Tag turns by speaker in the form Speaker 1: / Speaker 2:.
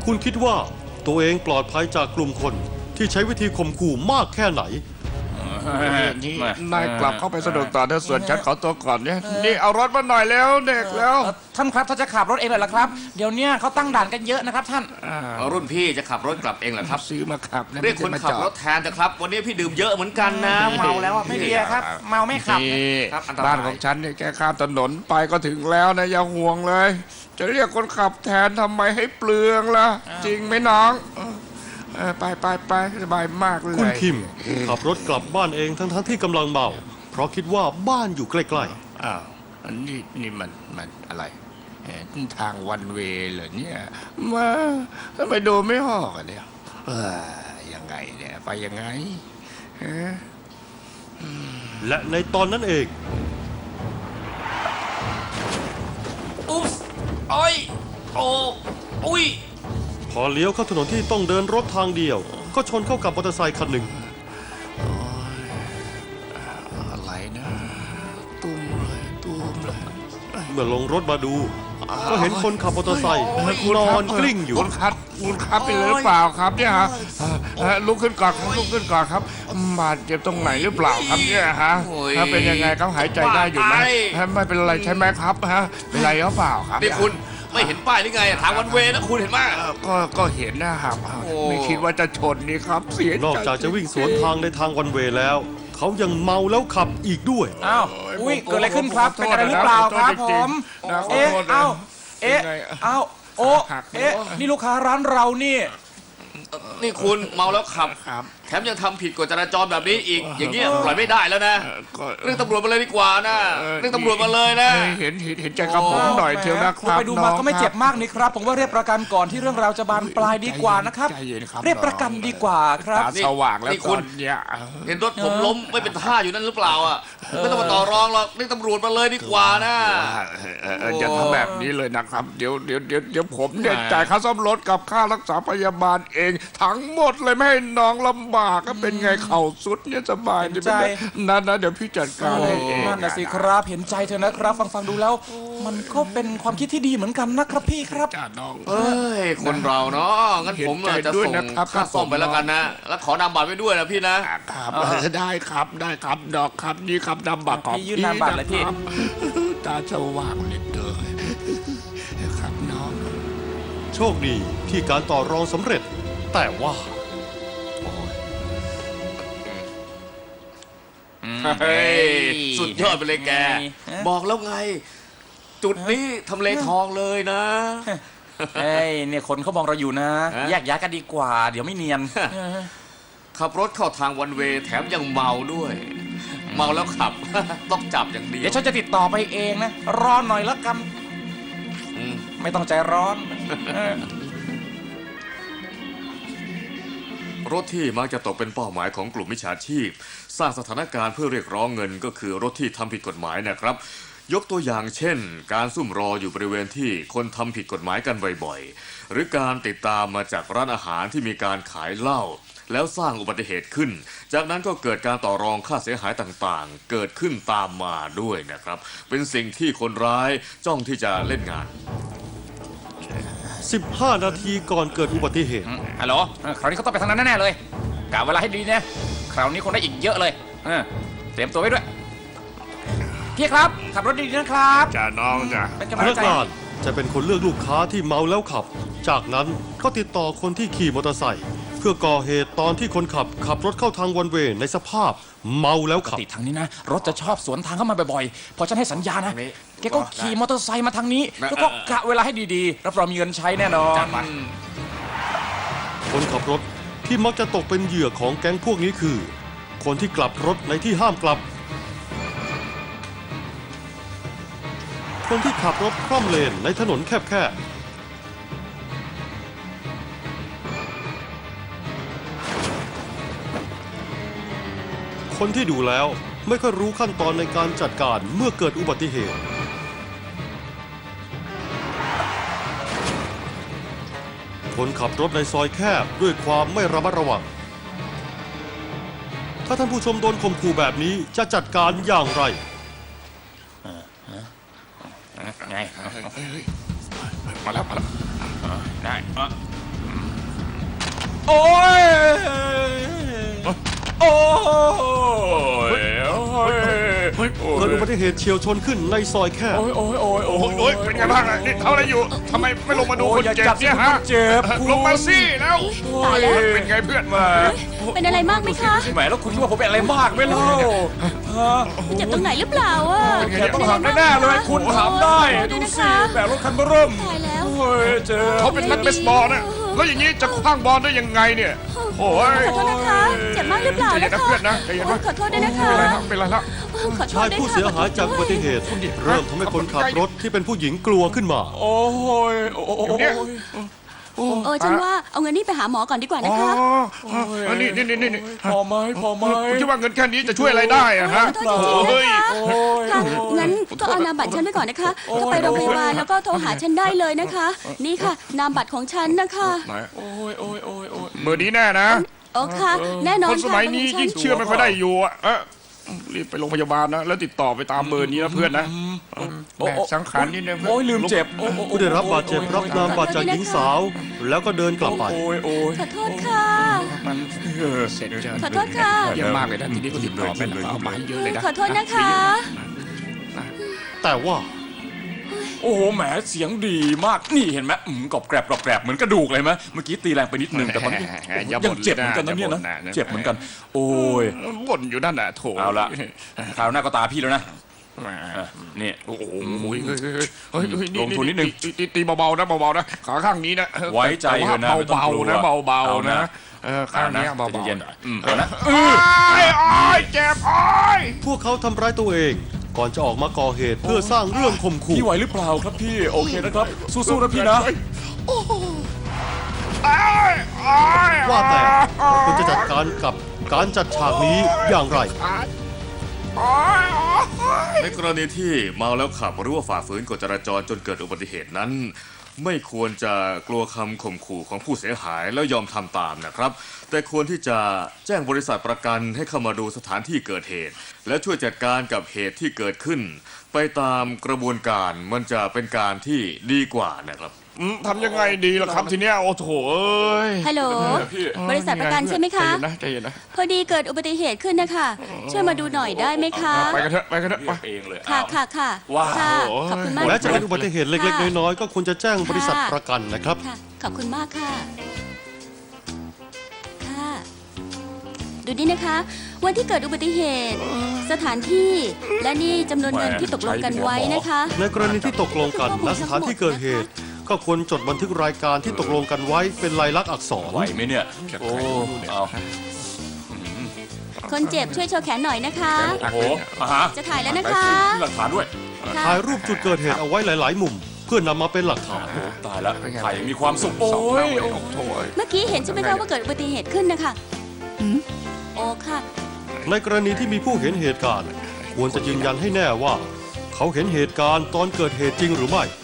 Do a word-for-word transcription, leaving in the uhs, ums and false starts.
Speaker 1: คุณคิดว่าตัวเองปลอดภัยจากกลุ่มคนที่ใช้วิธีข่มขู่มากแค่ไหน
Speaker 2: นี่นายกลับเข้าไปสนุกต่อเถอะส่วนฉันขอตัวก่อนเนี่ยนี่เอารถมาหน่อยแล้วเด็กแล้ว
Speaker 3: ท่านครับถ้าจะขับรถเองเลยเหรอครับเดี๋ยวเนี้ยเขาตั้งด่านกันเยอะนะครับท่าน
Speaker 4: รุ่นพี่จะขับรถกลับเองเหรอครับ
Speaker 2: ซื้อมาขับ
Speaker 4: เรียกคนขับรถแทนเถอะครับวันนี้พี่ดื่มเยอะเหมือนกันนะเมาแล้วอะ
Speaker 3: ไม่
Speaker 4: พี่
Speaker 3: ดีครับเมาไม่ขับ
Speaker 2: นี่
Speaker 4: ครับอันตราย
Speaker 2: บ้านของฉันเนี่ยแค่ข้ามถนนไปก็ถึงแล้วนะอย่าห่วงเลย จะเรียกคนขับแทนทำไมให้เปลืองล่ะจริงไหมน้องเออไปไปไปสบายมากเลย
Speaker 1: คุณคิมขับรถกลับบ้านเองทั้งๆที่กำลังเมาเพราะคิดว่าบ้านอยู่ใกล้ๆ
Speaker 2: อ้าวอันนี้นี่มันมันอะไรเอ่อทางวันเวย์เหรอเนี่ยมาทำไมดูไม่ออกอะเนี่ยเออยังไงเนี่ยไปยังไงเอ๊ะ
Speaker 1: และในตอนนั้นเอง
Speaker 4: อุ๊บโอ้ยโอ้อุ้ย
Speaker 1: พอเลี้ยวเข้าถนนที่ต้องเดินรถทางเดียว ก็ชนเข้ากับมอเตอร์ไซค์คันหนึ่ง
Speaker 2: อะไรนะตุ้มเลยตุ้มเลย
Speaker 1: เมื่อลงรถมาดู ก็เห็นคนขับมอเตอร์ไซค์นอนกลิ้งอยู่
Speaker 2: คุณครับคุณครับเป็นหรือเปล่าครับเนี่ยฮะเอ่อเอ่อลุกขึ้นก่อนครับลุกขึ้นก่อนครับบาดเจ็บตรงไหนหรือเปล่าครับเนี่ยฮะฮะเป็นยังไงครับหายใจได้อยู่ไหมฮะไม่เป็นไรใช่ไหมครับฮะเป็นไรหรือเปล่าครับ
Speaker 4: นี่คุณไม่เห็นป้ายหรือไงทางวันเวย์นะคุณเห็นไหม
Speaker 2: เอ่อก็ก็เห็นนะครับ
Speaker 4: โอ้
Speaker 2: ไม่คิดว่าจะชนนี่ครับเสียใจ
Speaker 1: นอกจากจะวิ่งสวนทางในทางวันเวย์แล้ว เขายังเมาแล้วขับอีกด้วย
Speaker 3: อ้าวอุ้ยเกิดอะไรขึ้นครับเป็นอะไรหรือเปล่าครับผมเอ๊ะเอ้าเอ๊ะเอ้าโอ้เอ๊ะนี่ลูกค้าร้านเรานี่
Speaker 4: นี่คุณเมาแล้วขับ
Speaker 2: ครับ
Speaker 4: แถมยังทำผิดกฎจราจรแบบนี้อีก อย่างเงี้ยปล่อยไม่ได้แล้วนะ
Speaker 2: เอ่อก็
Speaker 4: เรื่องตำรวจมาเลยดีกว่านะเรื่องตำรวจมาเลยนะ
Speaker 2: เห็นเห็นเห็นใจกับผมหน่อยเถอะนะค
Speaker 3: ดู
Speaker 2: รับ
Speaker 3: ไปดูมา
Speaker 2: น้อง
Speaker 3: ก็ไม่เจ็บ
Speaker 2: ครับ
Speaker 3: มากนี่ครับ ผมว่าเรียกประกันก่อนที่เรื่องราวจะบานปลายดีกว่านะครับ
Speaker 2: ใจเย็นครับ
Speaker 3: เรียกประกันดีกว่าครับ
Speaker 2: ตาสว่างแล้ว
Speaker 4: นี่
Speaker 2: ต
Speaker 4: คุ
Speaker 2: อ
Speaker 4: ณ
Speaker 2: นเนี่ย
Speaker 4: เห็นรถผมล้มไม่เป็นท่าอยู่นั่นหรือเปล่าอ่ะไม่ต้องมาต่อรองหรอกเรียกตำรวจมาเลยดีกว่านะ
Speaker 2: เออเอออย่าทำแบบนี้เลยนะครับ เดี๋ยวเดี๋ยวเดี๋ยวเดี๋ยวผมเนี่ยจ่ายค่าซ่อมรถกับค่ารักษาพยาบาลเอง ทั้งหมดเลยไม่ให้น้องลำบากก็เป็นไงเข่าสุดเนี่ยสบายดีไหม
Speaker 3: เห็นใจ
Speaker 2: นั่นนะเดี๋ยวพี่จัดการให้เอง
Speaker 3: นั่นน่ะสิครับเห็นใจเธอนะครับ ฟังฟังดูแล้ว มันก็เป็นความคิดที่ดีเหมือนกันนะครับพี่ครับ
Speaker 2: จ้าน้อง
Speaker 4: เอ้ยคนเราเนาะงั้นผม
Speaker 2: เห็นใจ
Speaker 4: จะ
Speaker 2: ด้วย
Speaker 4: ส่ง
Speaker 2: นะครับ
Speaker 4: ค่าซ่อมไปแล้วกันนะ แล้วขอนามบัตรไว้ด้วยนะพี่นะ
Speaker 2: ครับได้ครับได้ครับดอกครับนี่ครับนำบัตรของ
Speaker 3: พี่ยื่นนามบัตรเลยพี่
Speaker 2: นะครับตาสว่างเลยเด้อครับน้อง
Speaker 1: โชคดีที่การต่อรองสำเร็จ แต่ว่า
Speaker 4: เฮ้ยสุดยอดไปเลยแก บอกแล้วไง จุดนี้ทำเลทองเลยนะ
Speaker 3: เอ้ยเนี่ยคนเขามองเราอยู่นะ
Speaker 4: ฮะ
Speaker 3: แยกย้ายกันดีกว่า เดี๋ยวไม่เนียน
Speaker 4: ขับรถเข้าทางวันเวย์แถมยังเมาด้วย เมาแล้วขับ ต้องจับอย่างเดียว
Speaker 3: เดี๋ยวฉันจะติดต่อไปเองนะ รอหน่อยแล้วกัน
Speaker 4: อืม
Speaker 3: ไม่ต้องใจร้อนเออ
Speaker 4: รถที่มักจะตกเป็นเป้าหมายของกลุ่มมิจฉาชีพ สร้างสถานการณ์เพื่อเรียกร้องเงินก็คือรถที่ทำผิดกฎหมายนะครับ ยกตัวอย่างเช่น การซุ่มรออยู่บริเวณที่คนทำผิดกฎหมายกันบ่อยๆหรือการติดตามมาจากร้านอาหารที่มีการขายเหล้าแล้วสร้างอุบัติเหตุขึ้น จากนั้นก็เกิดการต่อรองค่าเสียหายต่างๆ เกิดขึ้นตามมาด้วยนะครับ เป็นสิ่งที่คนร้ายจ้องที่จะเล่นงาน
Speaker 1: สิบห้า นาทีก่อนเกิดอุบัติเหตุ
Speaker 3: ฮัลโหลเออคราวนี้เขาต้องไปทางนั้นแน่ๆเลยกะเวลาให้ดีนะคราวนี้คงได้อีกเยอะเลยเออเตรียมตัวไว้ด้วย พี่ครับ ขับรถดีๆนะครับ
Speaker 2: จ้าน้องจ้า
Speaker 3: เป็นกำ
Speaker 1: พ
Speaker 3: ลัง
Speaker 1: นัก
Speaker 3: ใจ
Speaker 1: งานจะเป็นคนเลือกลูกค้าที่เมาแล้วขับ จากนั้นก็ติดต่อคนที่ขี่มอเตอร์ไซค์เพื่อก่อเหตุตอนที่คนขับขับรถเข้าทางวันเวย์ในสภาพเมาแล้วขับ
Speaker 3: ติดทางนี้นะ รถจะชอบสวนทางเข้ามาบ่อยๆ พอฉันให้สัญญานะ
Speaker 4: ทางนี้
Speaker 3: แกก็ขี่มอเตอร์ไซค์มาทางนี้
Speaker 4: นะ
Speaker 3: แล้วก็กะเวลาให้ดีๆ รับรองมีเงินใช้แน่นอน
Speaker 4: จัดไป
Speaker 1: คนขับรถที่มักจะตกเป็นเหยื่อของแก๊งพวกนี้คือ คนที่กลับรถในที่ห้ามกลับ คนที่ขับรถคล่อมเลนในถนนแคบๆ คนที่ดูแล้วไม่ค่อยรู้ขั้นตอนในการจัดการเมื่อเกิดอุบัติเหตุ คนขับรถในซอยแคบด้วยความไม่ระมัดระวัง ถ้าท่านผู้ชมโดนข่มขู่แบบนี้จะจัดการอย่างไร
Speaker 3: ไง
Speaker 2: มาแล้วมาแล้ว
Speaker 3: ได้โอ้ยโอ้ยโอ้ย
Speaker 2: เฮ้ย
Speaker 1: เกิดอุบัติเหตุเฉียวชนขึ้นในซอยแคบ
Speaker 3: โอ้ยโอ้ยโอ้ยโอ้
Speaker 2: โอ้ยโอ้ยเป็นไงบ้างอะนี่ทำอะไรอยู่ทำไมไม่ลงมาดูคนเจ็บเนี่ยฮะ
Speaker 3: เจ็บ
Speaker 2: ลงมาสิแล้ว
Speaker 5: ตายแล้ว
Speaker 2: เป็นไงเพื่อนมา
Speaker 5: เป็นอะไรมากไหมคะ
Speaker 3: แหมแล้วคุณคิดว่าผมเป็นอะไรมากไหมเล่า
Speaker 5: เจ็บตรงไหนหรือเปล่าอ่ะ
Speaker 3: แกต้องหักแน่ๆเลยคุณถามได้ดูสิแบกรถคันเบอร์เริ่ม
Speaker 5: ตายแล้ว
Speaker 3: โอ้ยเจ็บ
Speaker 2: เขาเป็นนักเบสบอลนะแล้วอย่างนี้จะคว้างบอลได้ยังไงเนี่ยโอ้ย
Speaker 5: ขอโทษนะคะ เจ็บมากหรือเปล่า
Speaker 2: ใจเย็น
Speaker 5: นะ
Speaker 2: นะคะ เพื่อนนะใจเย็นนะ
Speaker 5: ขอโทษด้วยนะคะ
Speaker 2: เป็นไรครับเป็นไรละ
Speaker 5: ขอโท
Speaker 1: ชา
Speaker 5: ษ
Speaker 1: ย
Speaker 5: ด้วย
Speaker 1: ผู้
Speaker 5: ค่ะ
Speaker 1: เสียหายจากอุบัติเหตุ เริ่มทำให้คนขับรถที่เป็นผู้หญิงกลัวขึ้นมา
Speaker 3: โอ้ยโอ้ยโอ้ย
Speaker 2: เนี่ย
Speaker 5: เออฉันว่าเอาเงินนี่ไปหาหมอก่อนดีกว่า
Speaker 2: อ๋
Speaker 5: นะ
Speaker 2: อ
Speaker 5: คะ
Speaker 2: อันนี้นี่นี่นี่
Speaker 3: พอไหมพอไหม
Speaker 2: คุณคิดว่าเงินแค่นี้จะช่วยอะไรได้อะฮะ
Speaker 5: ขอโทษจริงๆ
Speaker 2: เฮ้ย
Speaker 5: นะคะค่ะงั้นก็เอานามบัตรฉันไว้ก่อนนะคะก็ไปโรงพยาบาลแล้วก็โทรหาฉันได้เลยนะคะ นี่ค่ะ นามบัตรของฉันนะคะ
Speaker 2: ไหน
Speaker 3: โอ้ยโอ้ยโอ้ยโอ้ย
Speaker 2: มือนี้แน่นะ
Speaker 5: โอ้ค่ะ แน่นอ
Speaker 2: คน นส
Speaker 5: ค่ะ
Speaker 2: มัยนี้
Speaker 5: ข
Speaker 2: ยิ่
Speaker 5: อง ฉัน
Speaker 2: เชื่อไม่ค่อยได้อยู่อะเอะรีบไปโรงพยาบาลนะแล้วติดต่อไปตามเบอร์นี้นะเพื่อนนะแม่สังขารนี่นะเพื่อน
Speaker 3: โอ้ยลืมเจ็บ
Speaker 1: ผู้ได้รับบาดเจ็บรับนามบัตรจากหญิงสาว แล้วก็เดินกลับไป
Speaker 3: โอ้ยโอ้ย
Speaker 5: ขอโทษค่ะ
Speaker 2: มันเสร็จจะ
Speaker 5: ขอโทษค่ะ
Speaker 2: เยี่ยมมากเลยนะทีนี้ก็ติดต่อไปแล้วเอามาให้เยอะเลยนะ
Speaker 5: ขอโทษนะคะ
Speaker 1: แต่ว่า
Speaker 3: โอ้โหแหมเสียงดีมากนี่เห็นไหมอืมกรอบแกรบกรอบแกรบเหมือนกระดูกเลยไหมเมื่อกี้ตีแรงไปนิดนึงแต่มันยังยังเจ็บเหมือนกันนะเนี่ยนะเจ็บเหมือนกัน โอ้ย
Speaker 2: บ่นอยู่นั่นแหละโถ
Speaker 3: เอาละคราวหน้าก็ตาพี่แล้วนะอ่ะนี่
Speaker 2: โอ้โหเฮ้ยเฮ้ยเฮ้ยเฮ้ย
Speaker 3: ลงทุนนิดนึง
Speaker 2: ตีตีตีเบาๆนะเบาๆนะขาข้างนี้นะ
Speaker 3: ไว้ใจเถอะนะไม่ต้อง
Speaker 2: เบาก
Speaker 3: ลัว
Speaker 2: ๆนะเบา
Speaker 3: เอา
Speaker 2: ๆ
Speaker 3: นะ
Speaker 2: นะเออข้างนี้เบา
Speaker 3: ใจ
Speaker 2: ๆ
Speaker 3: เย็นๆอืมเอานะ
Speaker 2: โอ้ยโอ้ยเจ็บโอ้ย
Speaker 1: พวกเขาทำร้ายตัวเอง ก่อนจะออกมาก่อเหตุเพื่อสร้างเรื่องข่มขู่
Speaker 3: พี่ไหวหรือเปล่าครับพี่โอเคนะครับสู้ๆนะพี่นะ
Speaker 2: โอ้ยโอ้ย
Speaker 1: ว่าแต่คุณจะจัดการกับการจัดฉากนี้อย่างไร
Speaker 2: โอ้ยโอ้ย
Speaker 4: ในกรณีที่เมาแล้วขับหรือว่าฝ่าฝืนกฎจราจรจนเกิดอุบัติเหตุนั้น ไม่ควรจะกลัวคำข่มขู่ของผู้เสียหายแล้วยอมทำตามนะครับ แต่ควรที่จะแจ้งบริษัทประกันให้เข้ามาดูสถานที่เกิดเหตุ และช่วยจัดการกับเหตุที่เกิดขึ้น ไปตามกระบวนการมันจะเป็นการที่ดีกว่านะครับ
Speaker 2: อืมทำยังไงดีล่ะครับทีเนี้ยโอ้โถเอ้ย
Speaker 5: ฮัลโหล
Speaker 3: พี่
Speaker 5: บริษัทประกันใช่ไหมคะ
Speaker 2: ใจเย็นนะใจเย็นนะ
Speaker 5: พอดีเกิดอุบัติเหตุขึ้นนะคะ ช่วยมาดูหน่อยได้ไหมคะ
Speaker 2: ไปกันเถอะไปกันเถอะ
Speaker 3: เรี
Speaker 2: ไป
Speaker 3: ยกเองเลย
Speaker 5: ค่ะ
Speaker 3: อ้าว
Speaker 5: ค่ะค่ะ
Speaker 3: ว้าว
Speaker 5: ค่ะขอบคุณมาก
Speaker 1: แม้จะเป็นอุบัติเหตุเล็กๆ น้อยๆ ก็ควรจะแจ้งบริษัทประกันนะครับ
Speaker 5: ค่ะ ขอบคุณมากค่ะ ค่ะ ดูนี่นะคะ วันที่เกิดอุบัติเหตุ สถานที่ และนี่จำนวนเงินที่ตกลงกันไว้นะคะ
Speaker 1: ในกรณีที่ตกลงกันณสถานที่เกิดเหตุ ก็ควรจดบันทึกรายการที่ตกลงกันไว้เป็นลายลักษณ์อักษร
Speaker 3: ไหวไหมเนี่ยโอ้เอา
Speaker 5: คนเจ็บช่วยโชว์แขนหน่อยนะคะ
Speaker 3: โอ้โหอ่ะฮะ
Speaker 5: จะถ่ายแล้วนะ
Speaker 3: ไป
Speaker 5: คะ
Speaker 3: สิมีหลักฐานด้วย
Speaker 5: ค่ะ
Speaker 1: ถ่ายรูปจุดเกิดเหตุเอาไว้หลาย ๆ มุม เพื่อนำมาเป็นหลักฐาน
Speaker 3: ตายแล้วถ่ายอย่างมีความสุขโอ้
Speaker 2: สอง
Speaker 3: ย
Speaker 2: เท่าเลยโอ้โถเอ้ย
Speaker 5: เมื่อกี้เห็นใช่ไหมคะว่าเกิดอุบัติเหตุขึ้นนะคะโอ้ค่ะ
Speaker 1: ในกรณีที่มีผู้เห็นเหตุการณ์ ควรจะยืนยันให้แน่ว่า เขาเห็นเหตุการณ์ตอนเกิดเหตุจริงหรือไม่